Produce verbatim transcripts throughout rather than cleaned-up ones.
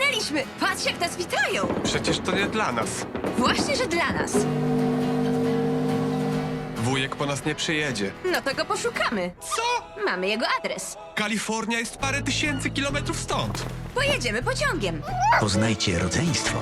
Dotarliśmy! Patrz, jak nas witają! Przecież to nie dla nas. Właśnie, że dla nas. Wujek po nas nie przyjedzie. No to go poszukamy. Co? Mamy jego adres. Kalifornia jest parę tysięcy kilometrów stąd. Pojedziemy pociągiem. Poznajcie rodzeństwo.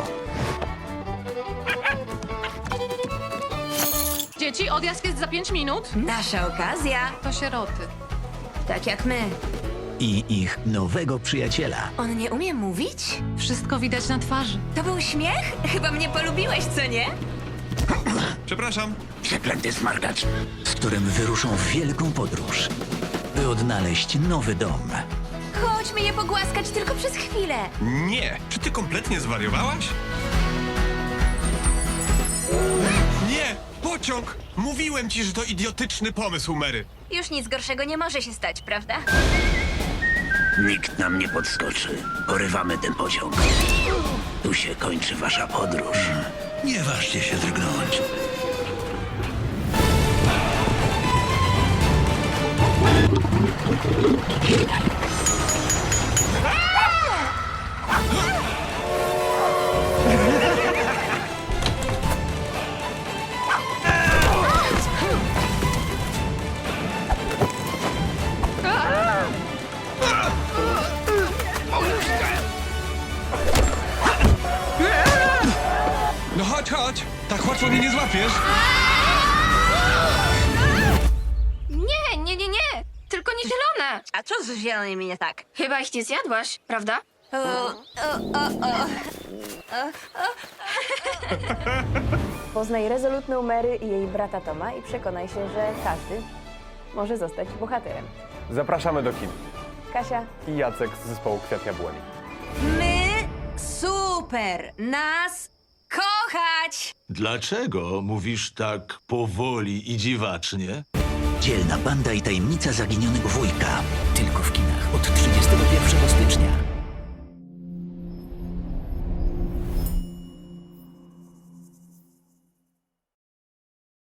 Dzieci, odjazd jest za pięć minut. Nasza okazja. To sieroty. Tak jak my. I ich nowego przyjaciela. On nie umie mówić? Wszystko widać na twarzy. To był śmiech? Chyba mnie polubiłeś, co nie? Przepraszam. Przeklęty smarkacz. Z którym wyruszą w wielką podróż, by odnaleźć nowy dom. Chodźmy je pogłaskać tylko przez chwilę. Nie. Czy ty kompletnie zwariowałaś? Nie! Pociąg! Mówiłem ci, że to idiotyczny pomysł, Mary. Już nic gorszego nie może się stać, prawda? Nikt nam nie podskoczy. Porywamy ten pociąg. Tu się kończy wasza podróż. Nie ważcie się drgnąć. No chodź, chodź. Tak łatwo mnie nie złapiesz. Nie, nie, nie, nie! Tylko nie zielone! A co z zielonymi nie tak? Chyba ich nie zjadłaś, prawda? O, o, o, o. Poznaj rezolutną Mary i jej brata Toma i przekonaj się, że każdy może zostać bohaterem. Zapraszamy do kin. Kasia, I Jacek z zespołu Kwiat Jabłoni. My super! Nas kochać! Dlaczego mówisz tak powoli i dziwacznie? Dzielna banda i tajemnica zaginionego wujka. Tylko w kinach od trzydziestego pierwszego stycznia.